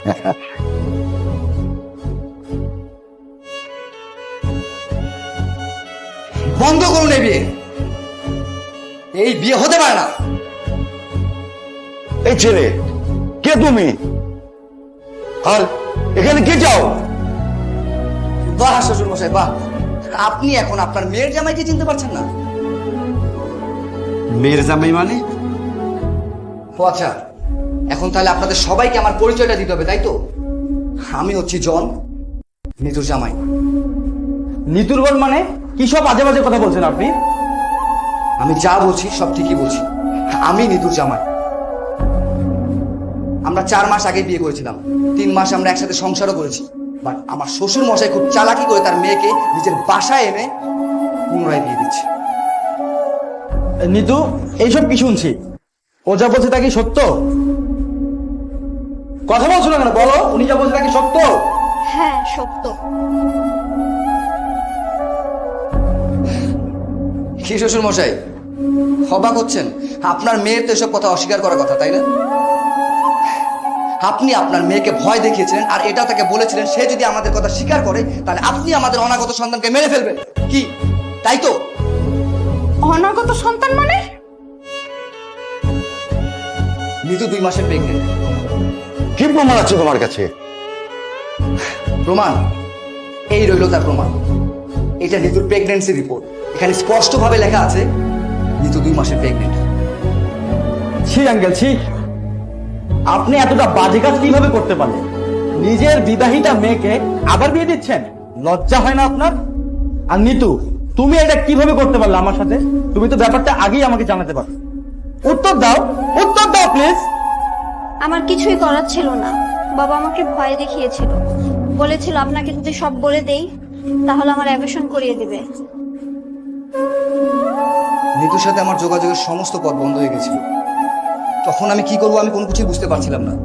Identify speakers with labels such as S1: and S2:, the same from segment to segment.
S1: বন্ধ করুন এই বিয়ে। এই বিয়ে হতে পারে না।
S2: এই ছেলে কে তুমি, আর এখানে কে চাও?
S1: বাহ শ্বশুর মশাই বাহ, আপনি এখন আপনার মেয়ের জামাইকে চিনতে পারছেন না?
S3: মেয়ের জামাই মানে?
S1: ও আচ্ছা, এখন তাহলে আপনাদের সবাইকে আমার পরিচয়টা দিতে হবে, তাই তো? আমি হচ্ছি জন, নিতুর জামাই।
S4: নিতুর বোন মানে? কি সব আজে বাজে কথা বলছেন আপনি?
S1: আমি যা বলছি সব ঠিকই বলছি। আমি নিতুর জামাই। আমরা 4 মাস আগে বিয়ে করেছিলাম, 3 মাস আমরা একসাথে সংসারও করেছি। বাট আমার শ্বশুর মশাই খুব চালাকি করে তার মেয়েকে নিজের বাসায় এনে পুনরায় বিয়ে দিচ্ছে।
S4: নিতু, এইসব কি শুনছি? ও যা বলছে তা কি সত্য? কথা বলছো না কেন, বলো। উনি যা বলছে তা কি সত্য?
S5: হ্যাঁ সত্য।
S1: কি শ্বশুর মশাই অবাক হচ্ছেন? আপনার মেয়ের তো এসব কথা অস্বীকার করার কথা, তাই না? আপনি আপনার মেয়েকে ভয় দেখিয়েছিলেন, আর এটা তাকে বলেছিলেন সে যদি আমাদের কথা স্বীকার করে তাহলে আপনি আমাদের অনাগত সন্তানকে মেরে ফেলবেন, কি তাই তো?
S5: অনাগত সন্তান মানে?
S1: নিতু 2 মাসের প্রেগনেন্ট।
S2: কি প্রমাণ আছে তোমার কাছে?
S1: প্রমাণ এই রইল, তার প্রমাণ। এটা নিতুর প্রেগন্যান্সি রিপোর্ট। এখানে স্পষ্টভাবে লেখা আছে নিতু 2 মাসের প্রেগনেন্ট।
S4: ছি আঙ্কেল, ছি। আপনি এতটা বাজে কাজ কিভাবে করতে পারলেন? নিজের বিবাহিতা মেয়েকে আবার বিয়ে দিচ্ছেন? লজ্জা হয় না আপনার? আর নিতু, তুমি এটা কিভাবে করতে পারলে আমার সাথে? তুমি তো ব্যাপারটা আগেই আমাকে জানাতে পারো। উত্তর দাও, উত্তর দাও প্লিজ।
S5: আমার কিছুই করার ছিল না। বাবা আমাকে ভয় দেখিয়েছিল, বলেছিল আপনাকে যদি সব বলে দেই তাহলে আমার অ্যাবর্শন করিয়ে দিবে।
S1: নিতুর সাথে আমার যোগাযোগের সমস্ত পথ বন্ধ হয়ে গেছিল। তখন আমি কি করবো আমি কোনো কিছুই বুঝতে পারছিলাম না।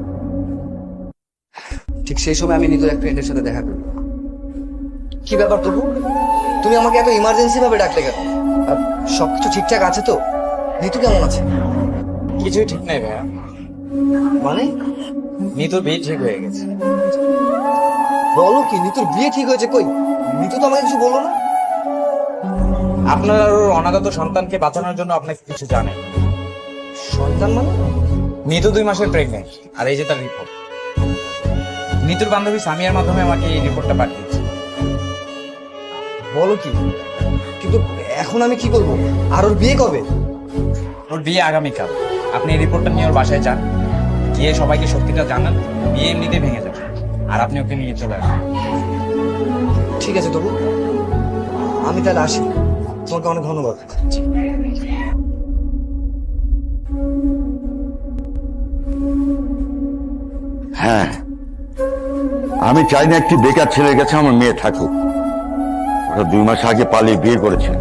S1: ঠিক সেই সময় আমি নিতুর এক ফ্রেন্ডের সাথে দেখা করি। কি ব্যাপার তবু, তুমি আমাকে এত ইমার্জেন্সি ভাবে ডাকলে কেন? আর সবকিছু ঠিকঠাক আছে তো? নিতু কেমন আছে?
S3: কিছুই ঠিক নাই ভাইয়া,
S1: মানে
S3: নিতুর বিয়ে ঠিক হয়ে গেছে।
S1: বলো কি, নিতুর বিয়ে ঠিক হয়েছে? কই, নিতু তো আমাকে কিছু বললো না।
S3: আপনার আর ওর অনাগত সন্তানকে বাঁচানোর জন্য আপনাকে কিছু জানেন।
S1: সন্তান মানে?
S3: নিতু 2 মাসের প্রেগনেন্ট, আর এই যে তার রিপোর্ট। নিতুর বান্ধবী সামিয়ার মাধ্যমে আমাকে এই রিপোর্টটা পাঠিয়েছে।
S1: বলো কি, কিন্তু এখন আমি কি করবো? আর ওর বিয়ে কবে?
S3: ওর বিয়ে আগামীকাল। আপনি এই রিপোর্টটা নিয়ে ওর বাসায় যান, গিয়ে সবাইকে সত্যিটা জানান। বিয়ে এমনিতেই ভেঙে যাবে, আর আপনি ওকে নিয়ে চলে আসবেন।
S1: ঠিক আছে তবু, আমি তাহলে আসি। তোমাকে অনেক ধন্যবাদ।
S2: হ্যাঁ, আমি চাই না একটি বেকার ছেলের কাছে আমার মেয়ে থাকুক। ওরা 2 মাস আগে পালিয়ে বিয়ে করেছে।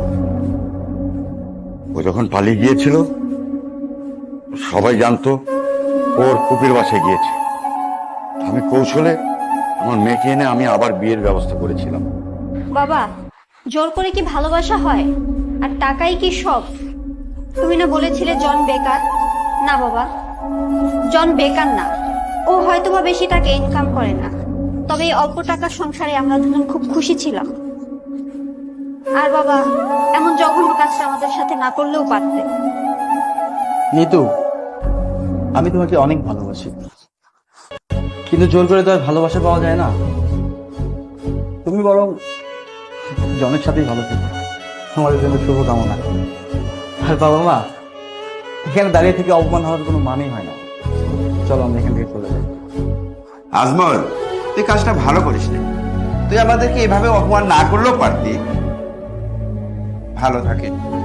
S2: ও যখন পালিয়ে গিয়েছিল সবাই জানতো ওর কুপির বাসায় গিয়েছে। আমি কৌশলে আমার মেয়েকে এনে আমি আবার বিয়ের ব্যবস্থা করেছিলাম।
S5: বাবা, জোর করে কি ভালোবাসা হয়? আর টাকাই কি সব? তুমি না বলেছিলে জন বেকার? না বাবা, জন বেকার না। ও হয়তোবা বেশি টাকা ইনকাম করে না, তবে এই অল্প টাকার সংসারে আমরা দুজন খুব খুশি ছিলাম। আর বাবা, এমন জঘন্য কাজটা আমাদের সাথে না করলেও পারতে।
S4: নিতু, আমি তোমাকে অনেক ভালোবাসি, কিন্তু জোর করে তো আর ভালোবাসা পাওয়া যায় না। তুমি বরং জনের সাথেই ভালো থেকো। তোমাদের জন্য শুভকামনা। আর বাবা মা, এখানে দাঁড়িয়ে থেকে অপমান হওয়ার কোনো মানেই হয় না। চলো আমরা এখান থেকে চলে যাই।
S6: আজমল, তুই কাজটা ভালো করিস না। তুই আমাদেরকে এভাবে অপমান না করলেও পারতি। ভালো থাকে।